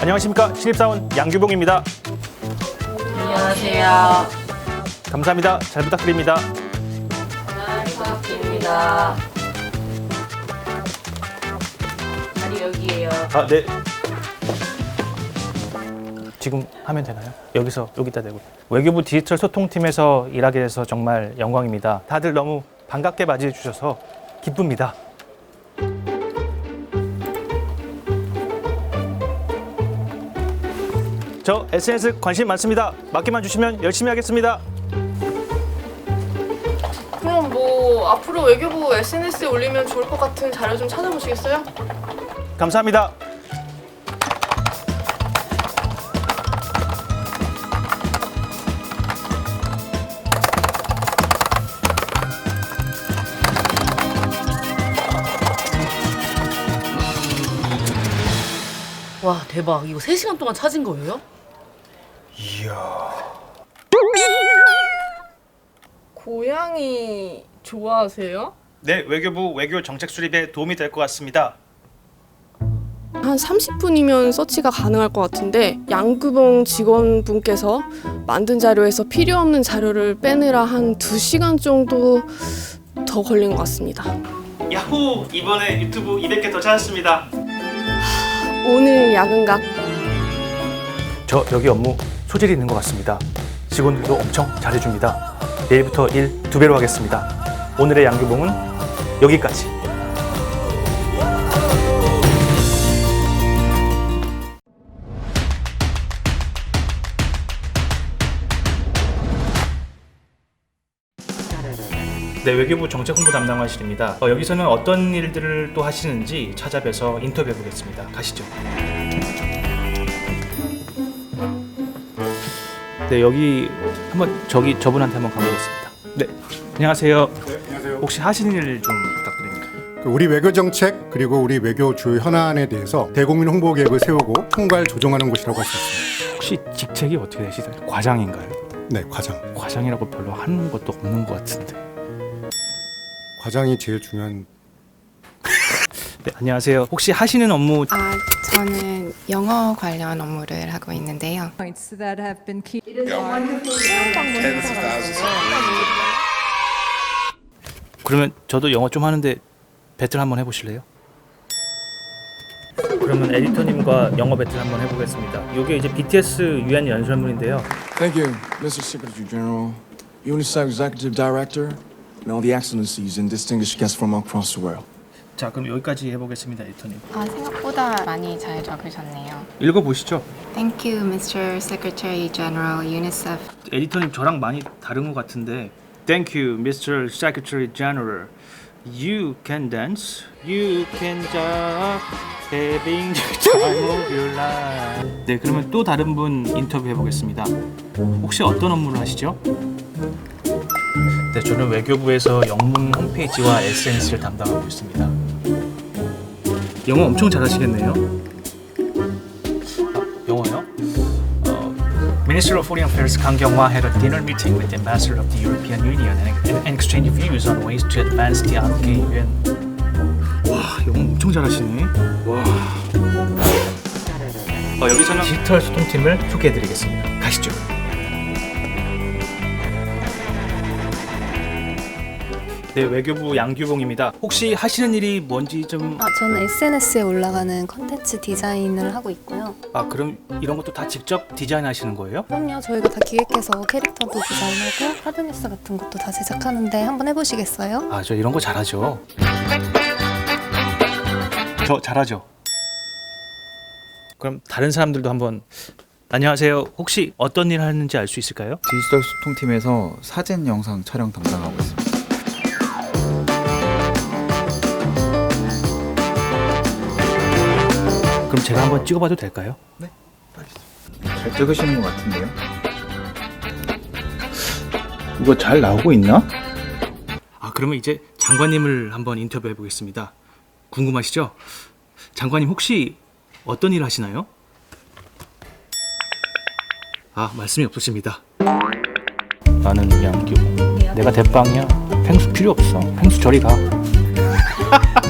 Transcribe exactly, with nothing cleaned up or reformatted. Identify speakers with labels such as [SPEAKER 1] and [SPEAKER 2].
[SPEAKER 1] 안녕하십니까. 신입사원 양규봉입니다.
[SPEAKER 2] 안녕하세요.
[SPEAKER 1] 감사합니다. 잘 부탁드립니다.
[SPEAKER 2] 잘 부탁드립니다. 자리 여기에요.
[SPEAKER 1] 아, 네. 지금 하면 되나요? 여기서 여기다 대고. 외교부 디지털 소통팀에서 일하게 돼서 정말 영광입니다. 다들 너무 반갑게 맞이해 주셔서 기쁩니다. 저 에스엔에스 관심 많습니다. 맡기만 주시면 열심히 하겠습니다.
[SPEAKER 3] 그럼 뭐 앞으로 외교부 에스엔에스에 올리면 좋을 것 같은 자료 좀 찾아보시겠어요?
[SPEAKER 1] 감사합니다.
[SPEAKER 2] 와 대박. 이거 세 시간 동안 찾은 거예요?
[SPEAKER 3] 고양이 좋아하세요?
[SPEAKER 1] 네, 외교부 외교 정책 수립에 도움이 될 것 같습니다.
[SPEAKER 3] 한 삼십 분이면 서치가 가능할 것 같은데 양규봉 직원분께서 만든 자료에서 필요 없는 자료를 빼느라 한 두 시간 정도 더 걸린 것 같습니다.
[SPEAKER 1] 야호! 이번에 유튜브 이백 개 더 찾았습니다.
[SPEAKER 3] 오늘 야근각
[SPEAKER 1] 저 여기 업무 소질이 있는 것 같습니다. 직원들도 엄청 잘해줍니다. 내일부터 일 두 배로 하겠습니다. 오늘의 양규봉은 여기까지. 네, 외교부 정책홍보 담당관실입니다. 어, 여기서는 어떤 일들을 또 하시는지 찾아뵈서 인터뷰해 보겠습니다. 가시죠. 네, 여기 한번 저기 저분한테 한번 가보겠습니다. 네, 안녕하세요.
[SPEAKER 4] 네, 안녕하세요.
[SPEAKER 1] 혹시 하시는 일 좀 부탁드립니다.
[SPEAKER 4] 그 우리 외교 정책 그리고 우리 외교 주요 현안에 대해서 대국민 홍보 계획을 세우고 총괄 조정하는 곳이라고 할 수 있습니다.
[SPEAKER 1] 혹시 직책이 어떻게 되시나요? 과장인가요?
[SPEAKER 4] 네, 과장.
[SPEAKER 1] 과장이라고 별로 하는 것도 없는 것 같은데.
[SPEAKER 4] 과장이 제일 중요한.
[SPEAKER 1] 네, 안녕하세요. 혹시 하시는 업무
[SPEAKER 5] 아, 저는 영어 관련 업무를 하고 있는데요.
[SPEAKER 6] points that have been key.
[SPEAKER 1] 그러면 저도 영어 좀 하는데 배틀 한번 해보실래요? 그러면 에디터님과 영어 배틀 한번 해보겠습니다. 이게 이제 비티에스 유엔 연설문인데요.
[SPEAKER 7] Thank you, Mister Secretary General, UNICEF Executive Director, and all the excellencies and distinguished guests from across the world.
[SPEAKER 1] 자, 그럼 여기까지 해보겠습니다, 에디터님.
[SPEAKER 5] 아, 생각보다 많이 잘 적으셨네요.
[SPEAKER 1] 읽어보시죠.
[SPEAKER 5] Thank you, Mister Secretary General, UNICEF.
[SPEAKER 1] 에디터님 저랑 많이 다른 것 같은데. Thank you, 미스터 Secretary General. You can dance, you can jump, having the time of your life. 네, 그러면 또 다른 분 인터뷰 해보겠습니다. 혹시 어떤 업무를 하시죠? 네, 저는 외교부에서 영문 홈페이지와 에스엔에스를 담당하고 있습니다. 영어 엄청 잘하시겠네요. 아, 영어요? Minister of Foreign Affairs Kang Kyung-hwa had a dinner meeting with the Ambassador of the European Union and, and exchanged views on ways to advance the 한국의 유엔. 와, 영어 엄청 잘하시네. 와. 어, 여기서는 디지털 소통팀을 소개해드리겠습니다. 가시죠. 네, 외교부 양규봉입니다. 혹시 하시는 일이 뭔지 좀...
[SPEAKER 8] 아, 저는 에스엔에스에 올라가는 컨텐츠 디자인을 하고 있고요.
[SPEAKER 1] 아, 그럼 이런 것도 다 직접 디자인하시는 거예요?
[SPEAKER 8] 그럼요. 저희가 다 기획해서 캐릭터도 디자인하고 카드뉴스 같은 것도 다 제작하는데 한번 해보시겠어요?
[SPEAKER 1] 아, 저 이런 거 잘하죠. 저 잘하죠. 그럼 다른 사람들도 한번. 안녕하세요. 혹시 어떤 일 하는지 알 수 있을까요?
[SPEAKER 9] 디지털 소통팀에서 사진 영상 촬영 담당하고 있습니다.
[SPEAKER 1] 그럼 제가 한번 찍어봐도 될까요?
[SPEAKER 9] 네, 잘 찍으시는 것 같은데요?
[SPEAKER 1] 이거 잘 나오고 있나? 아, 그러면 이제 장관님을 한번 인터뷰해 보겠습니다. 궁금하시죠? 장관님 혹시 어떤 일 하시나요? 아, 말씀이 없으십니다. 나는 양규. 내가 대빵이야. 펭수 필요 없어. 펭수 저리 가.